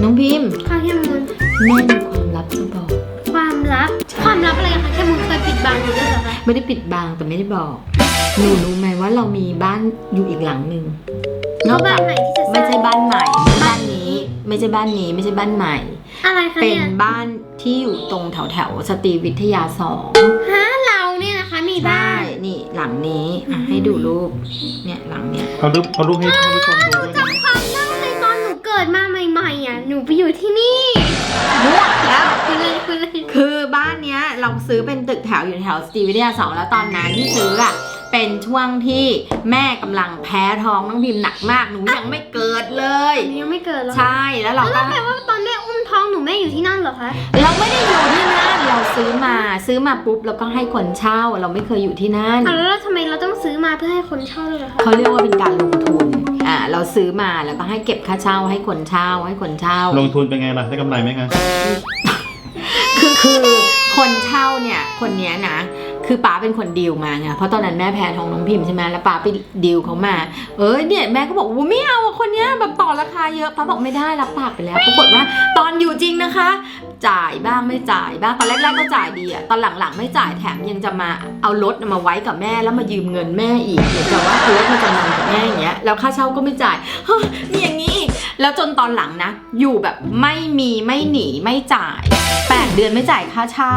น้องพิมพ์ค่ะแคมูลแม่มีความลับจะบอกความลับอะไรคะแคมูลเคยปิดบังอยู่ด้วยเหรอคะไม่ได้ปิดบังแต่ไม่ได้บอกหนูรู้ไหมว่าเรามีบ้านอยู่อีกหลังหนึ่งนอกจากไม่ใช่บ้านใหม่บ้านนี้ไม่ใช่บ้านนี้ไม่ใช่บ้านใหม่อะไรคะเป็นบ้านที่อยู่ตรงแถวสตรีวิทยา2 ฮะเราเนี่ยนะคะมีบ้านนี่หลังนี้ให้ดูรูปเนี่ยหลังเนี้ยเอารูปให้ท่านผู้ชมดูด้วยนะจำความได้เลยตอนหนูเกิดมาใหม่ๆอ่ะหนูไปอยู่ที่นี่มั่วแล้วคือบ้านเนี้ยเราซื้อเป็นตึกแถวอยู่แถวสตรีวิทยา2แล้วตอนนั้นที่ซื้ออ่ะเป็นช่วงที่แม่กำลังแพ้ท้องน้องพิมพ์หนักมากหนูยังไม่เกิดเลยยังไม่เกิดหรอใช่แล้วเราก็แปลว่าตอนแม่อุ้มท้องหนูแม่อยู่ที่นั่นเหรอคะเราไม่ได้อยู่ที่นั่นเราซื้อมาปุ๊บแล้วก็ให้คนเช่าเราไม่เคยอยู่ที่นั่นแล้วทำไมเราต้องซื้อมาเพื่อให้คนเช่าเลยล่ะคะเขาเรียกว่าเป็นการลงทุนเราซื้อมาแล้วก็ให้เก็บค่าเช่าให้คนเช่าลงทุนเป็นไงล่ะได้กำไรไหมคะคือคนเช่าเนี่ยคนเนี้ยนะคือป๋าเป็นคนดีลมาไงเพราะตอนนั้นแม่แพ้ท้องน้องพิมพ์ใช่ไหมแล้วป๋าไปดีลเขามาเนี่ยแม่ก็บอกว่าไม่เอาคนเนี้ยแบบต่อราคาเยอะป๋าบอกไม่ได้รับปากไปแล้วปรากฏว่าตอนอยู่จริงนะคะจ่ายบ้างไม่จ่ายบ้างตอนแรกๆก็จ่ายดีตอนหลังๆไม่จ่ายแถมยังจะมาเอารถมาไว้กับแม่แล้วมายืมเงินแม่อีกเหมือนกับว่าเอารถมาจำนำกับแม่อย่างเงี้ยแล้วค่าเช่าก็ไม่จ่ายนี่อย่างนี้แล้วจนตอนหลังนะอยู่แบบไม่มีไม่หนีไม่จ่าย8 เดือนไม่จ่ายค่าเช่า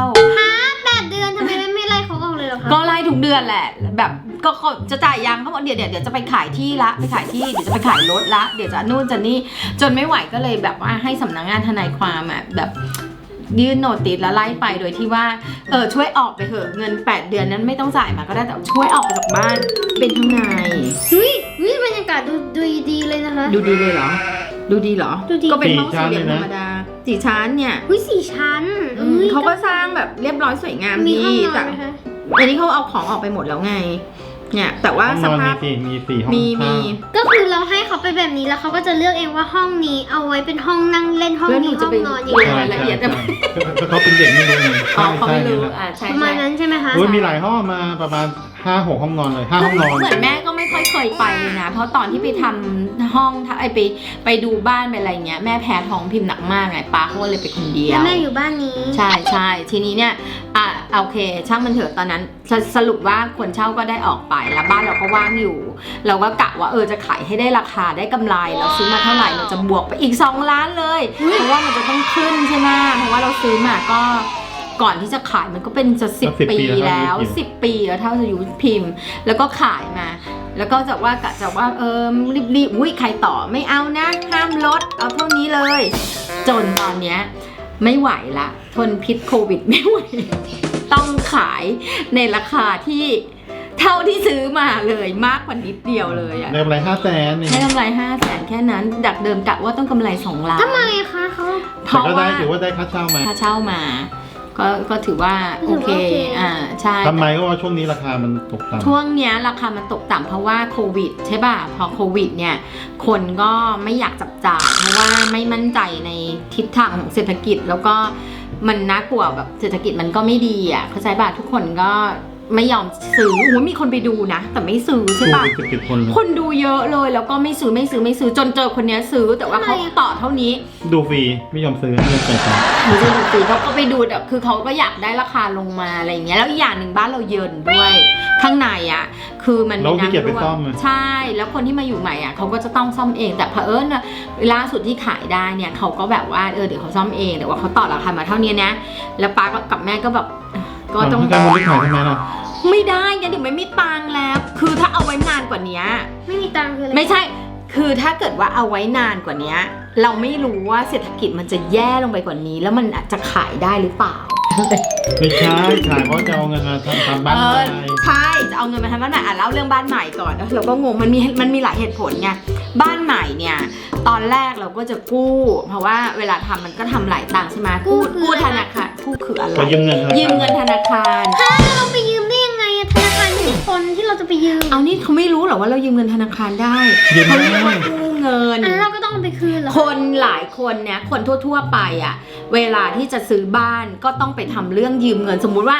8 เดือนทำไมไม่ไล่เขาออกเลยหรอคะก็ไล่ทุกเดือนแหละแบบก็จะจ่ายยังเขาบอกเดี๋ยวจะไปขายที่ละไปขายที่เดี๋ยวจะไปขายรถละเดี๋ยวจะนู่นจะนี่จนไม่ไหวก็เลยแบบว่าให้สำนักงานทนายความแบบยื่นโนติสแล้วไล่ไปโดยที่ว่าช่วยออกไปเถอะเงิน8 เดือนนั้นไม่ต้องจ่ายมาก็ได้แต่ช่วยออกไปจากบ้านเป็นทนายวิบรรยากาศดูดีเลยนะคะดูดีเลยเหรอดูดีเหรอก็เป็นห้องสี่เหลี่ยมธรรมดา4 ชั้นเนี่ย 4 ชั้นเขาก็สร้างแบบเรียบร้อยสวยงามดีแต่อันนี้เขาเอาของออกไปหมดแล้วไงเนี่ยแต่ว่าสภาพมี4 ห้องมีก็คือเราให้เขาไปแบบนี้แล้วเขาก็จะเลือกเองว่าห้องนี้เอาไว้เป็นห้องนั่งเล่นห้องนี้ห้องนอนอย่างเงี้ยละเอียดจะเขาเป็นเด็กไม่รู้ไงเขาไม่รู้ใช่ประมาณนั้นใช่ไหมคะมีหลายห้องมาประมาณ5-6 ห้องนอนเลย5 ห้องนอนเหมือนแม่ก็ไม่ค่อยเคยไปเลยนะเพราะตอนที่ไปทำห้องไปดูบ้านไปอะไรเงี้ยแม่แพ้ท้องพิมพ์หนักมากไงป้าเขาเลยไปคนเดียวแม่อยู่บ้านนี้ใช่ทีนี้เนี่ยโอเคช่างมันเถอะตอนนั้นสรุปว่าคนเช่าก็ได้ออกไปแล้วบ้านเราก็ว่างอยู่เราก็กะว่าจะขายให้ได้ราคาได้กำไรเราซื้อมาเท่าไหร่เราจะบวกไปอีก2 ล้านเลยเพราะว่ามันจะต้องขึ้นใช่ไหมเพราะว่าเราซื้อมาก็ก่อนที่จะขายมันก็เป็นจะ10 ปีแล้ว10 ปีแล้วเท่าอายุพิมพ์แล้วก็ขายมาแล้วก็จะว่ากะจะว่ารีบใครต่อไม่เอานะห้ามลดเอาเท่านี้เลยจนตอนเนี้ยไม่ไหวละทนพิษโควิดไม่ไหวต้องขายในราคาที่เท่าที่ซื้อมาเลยมากกว่านิดเดียวเลยได้กำไร500,000 ได้กำไร500,000แค่นั้นดักเดิมกะว่าต้องกำไร2 ล้านทำไมคะเขาเพราะว่าถือว่าได้ค่าเช่ามาก็ถือว่าโอเคใช่ทำไมก็ว่าช่วงนี้ราคามันตกต่ำช่วงเนี้ยราคามันตกต่ำเพราะว่าโควิดใช่ป่ะพอโควิดเนี่ยคนก็ไม่อยากจับจ่ายเพราะว่าไม่มั่นใจในทิศทางของเศรษฐกิจแล้วก็มันน่ากลัวแบบเศรษฐกิจมันก็ไม่ดีเข้าใจป่ะทุกคนก็ไม่ยอมซื้อมีคนไปดูนะแต่ไม่ซื้อใช่ป่ะคนดูเยอะเลยแล้วก็ไม่ซื้อจนเจอคนนี้ซื้อแต่ว่าเขาต่อเท่านี้ดูฟรีไม่ยอมซื้อไม่จ่ายตังค์ไม่ใช่ดูฟรีเขาก็ไปดูแต่คือเขาก็อยากได้ราคาลงมาอะไรอย่างเงี้ยแล้วอีกอย่างหนึ่งบ้านเราเยินด้วยข้างในคือมันมีน้ำรั่วใช่แล้วคนที่มาอยู่ใหม่เขาก็จะต้องซ่อมเองแต่เผอิญล่าสุดที่ขายได้เนี่ยเขาก็แบบว่าเดี๋ยวเขาซ่อมเองแต่ว่าเขาต่อราคามาเท่านี้นะแล้วป้ากับแม่ก็แบบก็ต้องการบริหารทำไมล่ะไม่ได้งั้นเดี๋ยวไม่มีตังค์แล้วคือถ้าเอาไว้นานกว่านี้ไม่มีตังค์คืออะไรไม่ใช่คือถ้าเกิดว่าเอาไว้นานกว่านี้เราไม่รู้ว่าเศรษฐกิจมันจะแย่ลงไปกว่านี้แล้วมันอาจจะขายได้หรือเปล่าไม่ใช่ขายเพราะจะเอาเงินมาทำบ้านใหม่ใช่จะเอาเงินมาทำบ้านใหม่เล่าเรื่องบ้านใหม่ก่อนเราก็งงมันมีหลายเหตุผลไงบ้านใหม่เนี่ยตอนแรกเราก็จะกู้เพราะว่าเวลาทำมันก็ทำหลายตังค์ใช่ไหมกู้ธนาคารกู้คืออะไรยืมเงินธนาคารเราไปยืมได้ยังไงธนาคารไม่ใช่คนที่เราจะไปยืมเอานี่เขาไม่รู้หรอว่าเรายืมเงินธนาคารได้เขาเรียกว่ากู้เงินเราก็ต้องไปคืนหรอคนหลายคนเนี่ยคนทั่วๆไปเวลาที่จะซื้อบ้านก็ต้องไปทำเรื่องยืมเงินสมมุติว่า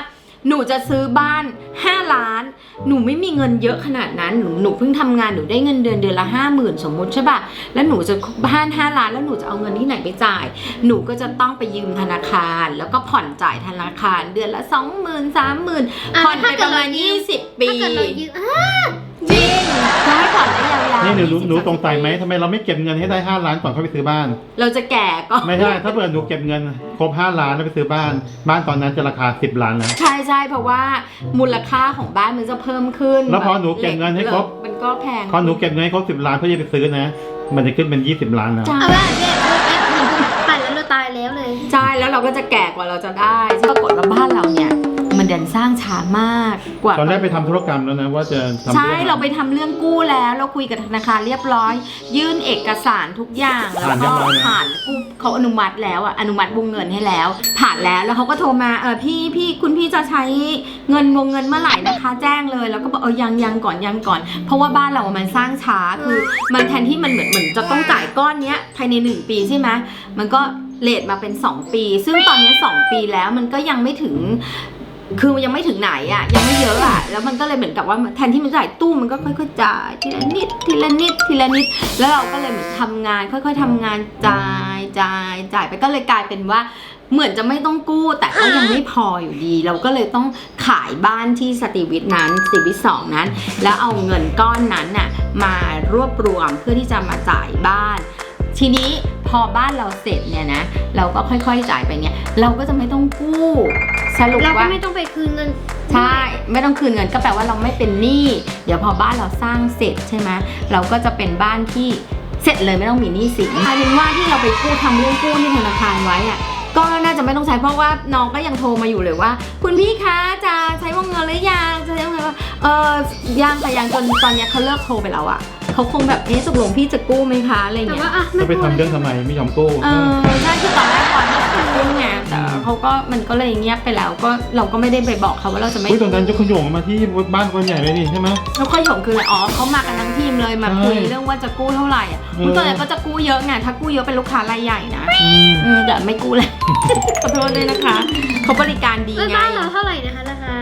หนูจะซื้อบ้าน5 ล้านหนูไม่มีเงินเยอะขนาดนั้นหนูเพิ่งทำงานหนูได้เงินเดือนละ50,000สมมุติใช่ป่ะแล้วหนูจะบ้าน5 ล้านแล้วหนูจะเอาเงินที่ไหนไปจ่ายหนูก็จะต้องไปยืมธนาคารแล้วก็ผ่อนจ่ายธนาคารเดือนละ 20,000 30,000ผ่อนไปประมาณ20 ปีถ้าเกิดเรายืมจริงจะให้ผ่อนได้ยาวๆนี่หนู 20 หนูสงสัยไหมทำไมเราไม่เก็บเงินให้ได้5 ล้านก่อนเข้าไปซื้อบ้านเราจะแก่ก็ไม่ใช่ถ้าเกิดหนูเก็บเงินครบ5 ล้านแล้วไปซื้อบ้านตอนนั้นจะราคา10 ล้านแล้วใช่เพราะว่ามูลค่าของบ้านมันจะเพิ่มขึ้นแล้วพอหนูเก็บเงินให้ครบมันก็แพงพอหนูเก็บเงินให้ครบ10 ล้านเพื่อจะไปซื้อนะ มันจะขึ้นเป็น20 ล้านแล้วใช่เอาละเนี่ยผ่านแล้วเราตายแล้วเลยใช่แล้วเราก็จะแก่กว่าเราจะได้ปรากฏว่าบ้านเราเนี่ยมันดันสร้างช้ามากกว่าตอนแรกไปทำธุรกรรมแล้วนะว่าจะทำใช่องเราไปทำเรื่องกู้แล้วเราคุยกับธนาคารเรียบร้อย ยื่นเอกสารทุกอย่างแล้วก็ผ่านกู้เขาอนุมัติแล้วอ่ะอนุมัติวงเงินให้แล้ว ผ่านแล้วแล้วเขาก็โทรมาพี่คุณพี่จะใช้เงินวงเงินเมื่อไหร่นะคะแจ้งเลยแล้วก็บอกยังก่อนเพราะว่าบ้านเรามันสร้างช้าคือมันแทนที่มันเหมือนจะต้องจ่ายก้อนเนี้ยภายใน1 ปีใช่ไหมมันก็เลทมาเป็น2 ปีซึ่งตอนนี้2 ปีแล้วมันก็ยังไม่ถึงคือยังไม่ถึงไหนอ่ะยังไม่เยอะอ่ะแล้วมันก็เลยเหมือนกับว่าแทนที่มันจ่ายตู้มันก็ค่อยๆจ่ายทีละนิดแล้วเราก็เลยเหมือนทำงานค่อยๆทำงานจ่ายไปก็เลยกลายเป็นว่าเหมือนจะไม่ต้องกู้แต่ก็ยังไม่พออยู่ดี เราก็เลยต้องขายบ้านที่สตรีวิทนั้นสตรีวิท2นั้นแล้วเอาเงินก้อนนั้นน่ะมารวบรวมเพื่อที่จะมาจ่ายบ้านทีนี้พอบ้านเราเสร็จเนี่ยนะเราก็ค่อยๆจ่ายไปเนี่ยเราก็จะไม่ต้องกู้สรุปเราก็ว่าไม่ต้องไปคืนเงินใช่ไม่ต้องคืนเงินก็แปลว่าเราไม่เป็นหนี้เดี๋ยวพอบ้านเราสร้างเสร็จใช่ไหมเราก็จะเป็นบ้านที่เสร็จเลยไม่ต้องมีหนี้สินกลายเป็นว่าที่เราไปกู้ทำเรื่องกู้ที่ธนาคารไว้อะก็น่าจะไม่ต้องใช้เพราะว่าน้องก็ยังโทรมาอยู่เลยว่าคุณพี่คะจะใช้วงเงินหรือยังจะใช้วงเงินว่ายังจนตอนเนี้ยเขาเลิกโทรไปแล้วอะเขาคงแบบตกลงพี่จะกู้ไหมคะอะไรแต่เงี้ยว่าไม่จะไปทำเรื่องทำไมไม่ยอมกู้ใช่คือตอนแรกก่อนจะกู้ไงแต่เขาก็มันก็เลยเงียบไปแล้วก็เราก็ไม่ได้ไปบอกเขาว่าเราจะไม่ตรงนั้นจะขยงมาที่บ้านคนใหญ่เลยนี่ใช่ไหมแล้วค่อยถงคืออะไรอ๋อเขามากันทั้งทีมเลยมาคุยใช่เรื่องว่าจะกู้เท่าไหร่อ่ะคุณตัวไหนก็จะกู้เยอะไงถ้ากู้เยอะเป็นลูกค้ารายใหญ่นะแต่ไม่กู้เลย ขอโทษด้วยนะคะเขาบริการดีไงบ้านเราเท่าไหร่นะคะราคา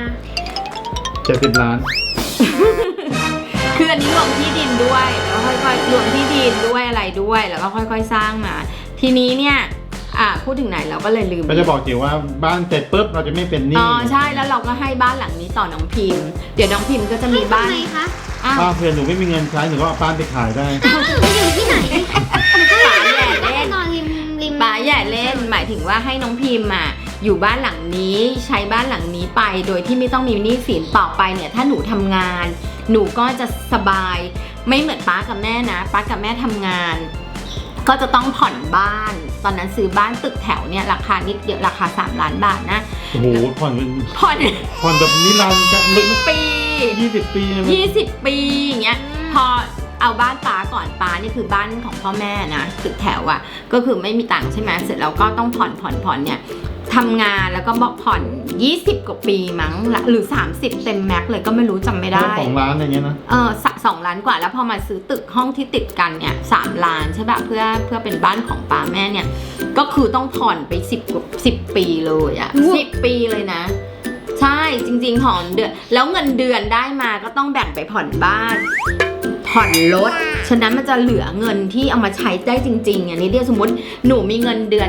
70 ล้านคืออันนี้รวมที่ดินด้วยแล้วค่อยๆรวมที่ดินด้วยอะไรด้วยแล้วก็ค่อยๆสร้างมา ทีนี้เนี่ยพูดถึงไหนเราก็เลยลืมก็จะบอกจิ๋วว่าบ้านเสร็จปุ๊บเราจะไม่เป็นหนี้อ๋อใช่แล้วเราก็ให้บ้านหลังนี้ต่อน้องพิมพ์เดี๋ยวน้องพิมพ์ก็จะมีบ้านทำไมคะอ้าวป้าเพื่อนหนูไม่มีเงินใช้หนูก็เอาบ้านไปขายได้อ้าวหนูอยู่ที่ไหนหนูก็ป๋าแย่เล่นนอนริมป้าอย่าเล่นหมายถึงว่าให้น้องพิมพ์อยู่บ้านหลังนี้ใช้บ้านหลังนี้ไปโดยที่ไม่ต้องมีหนี้สินต่อไปเนี่ยถ้าหนูทำงาน หนูก็จะสบายไม่เหมือนป้ากับแม่นะป้ากับแม่ทำงาน ก็จะต้องผ่อนบ้าน ตอนนั้นซื้อบ้านตึกแถวเนี่ยราคานิดเดียวราคา3 ล้านบาทนะโอ้โหผ่อนเป็นผ่อนผ่อนแบบนิรันดร์จะลึกปี 20 ปีใช่ไหม 20 ปีอย่างเงี้ยพอเอาบ้านป้าก่อนป้านี่คือบ้านของพ่อแม่นะตึกแถวอ่ะก็คือไม่มีตังค์ใช่ไหมเสร็จแล้วก็ต้องผ่อนเนี่ยทำงานแล้วก็บอกผ่อน20 กว่าปีมั้งหรือ30เต็มแม็กเลยก็ไม่รู้จำไม่ได้ 2 ล้านอะไรเงี้ยนะ 2 ล้านกว่าแล้วพอมาซื้อตึกห้องที่ติดกันเนี่ย3 ล้านใช่ป่ะเพื่อเป็นบ้านของป้าแม่เนี่ยก็คือต้องผ่อนไป10 ปีเลยอะ10 ปีเลยนะ ใช่จริงๆผ่อนเดือนแล้วเงินเดือนได้มาก็ต้องแบ่งไปผ่อนบ้าน ผ่อนรถฉะนั้นมันจะเหลือเงินที่เอามาใช้ได้จริงๆอันนี้เรียกสมมติหนูมีเงินเดือน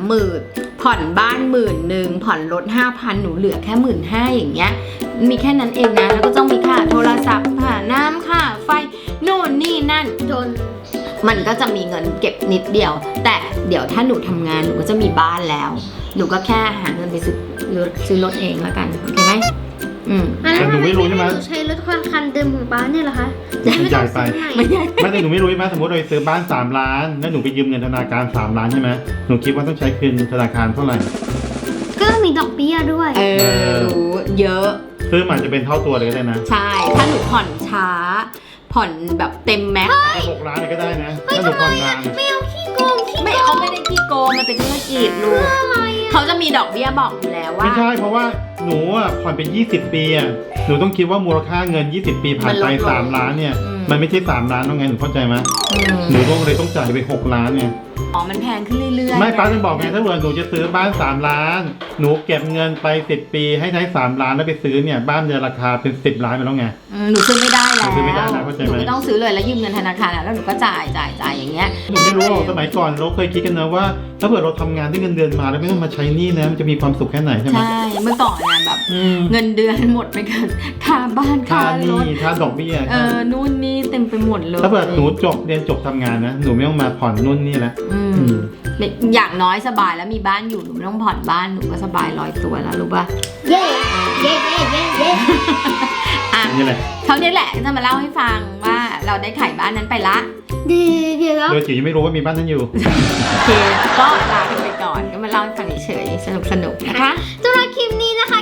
30,000ผ่อนบ้าน10,000ผ่อนรถ 5,000หนูเหลือแค่ 15,000อย่างเงี้ยมีแค่นั้นเองนะแล้วก็ต้องมีค่าโทรศัพท์ค่าน้ำค่าไฟโน่นนี่นั่นจนมันก็จะมีเงินเก็บนิดเดียว แต่เดี๋ยวถ้าหนูทำงานหนูก็จะมีบ้านแล้ว หนูก็แค่หาเงินไปซื้อรถเองแล้วกันโอเคไหมแต่หนูไม่รู้ใช่ไหมนูใช้รถคันเดิมของป้าเนี่ยเหรอคะใหญ่ไปไม่ใช่ไม่แต่หนูไม่รู้ใช่ไหมสมมติเราไปซื้อบ้าน3 ล้านแล้วหนูไปยืมเงินธนาคาร3 ล้านใช่ไหมหนูคิดว่าต้องใช้คืนธนาคารเท่าไหร่ก็มีดอกเบี้ยด้วยรู้เยอะซื้อมาจะเป็นเท่าตัวเลยก็ได้นะใช่ ถ้าหนูผ่อนช้า ผ่อนแบบเต็มแม็กซ์แต่6 ล้านเลยก็ได้นะถ้าหนูผ่อนนานไม่เอาขี้โกงขี้ไม่เขาไม่ได้ขี้โกงมันเป็นธุรกิจลูกอะไรอะเขาจะมีดอกเบี้ยบอกอยู่แล้วว่าไม่ใช่เพราะว่าหนูอ่ะผ่อนเป็น20 ปีอ่ะหนูต้องคิดว่ามูลค่าเงิน20 ปีผ่านไปมันลดลง 3 ล้านเนี่ยอืมมันไม่ใช่3 ล้านต้องไงหนูเข้าใจไหมอืมหนูต้องเลยต้องจ่ายไป6 ล้านเนี่ยอ๋อมันแพงขึ้นเรื่อยๆไม่ป้าจะบอกไงถ้าเกิดหนูจะซื้อบ้าน3 ล้าน หนูเก็บเงินไป10 ปีให้ใช้3 ล้านแล้วไปซื้อเนี่ยบ้านจะราคาเป็น10 ล้านไปแล้วไงหนูซื้อไม่ได้แล้วหนูซื้อไม่ได้แล้วเข้าใจไหมหนูไม่ต้องซื้อเลยแล้วยืมเงินธนาคารแล้วหนูก็จ่ายอย่างเงี้ยหนูไม่รู้หรอกสมัยก่อนเราเคยคิดกันนะว่า ถ้าเกิดเราทำงานได้เงินเดือนมาแล้วไม่ต้องมาใช้หนี้นะมันจะมีความสุขแค่ไหนใช่ไหมใช่เมื่อก่อนเนี่ยแบบอืมเงินเดือนหมดไปกับค่าบ้านค่าค่าหรนี้ถค่าดอกเบี้ยนู่นนี่เต็มไปหมดเลยถ้าเกิดหนูเรียนจบทำงานนะหนูไม่ต้องมาผ่อนนู่นนี่แล้วอืมอย่างน้อยสบายแล้วมีบ้านอยู่หนูไม่ต้องผ่อนบ้านหนูก็สบายลอยตัวแล้วรู้ป่ะเย้เย้เย้เย้เย้อ่ะนี่แหละเขาเนี่ยแหละจะมาเล่าให้ฟังว่าเราได้ขายบ้านนั้นไปละเดี๋ยวโดยจิ๋วยังไม่รู้ว่ามีบ้านนั้นอยู่โอเคก็ลากันไปก่อนก็มาเล่าให้ฟังเฉยๆสนุกๆนะคะสำหรับคลิปนี้นะคะ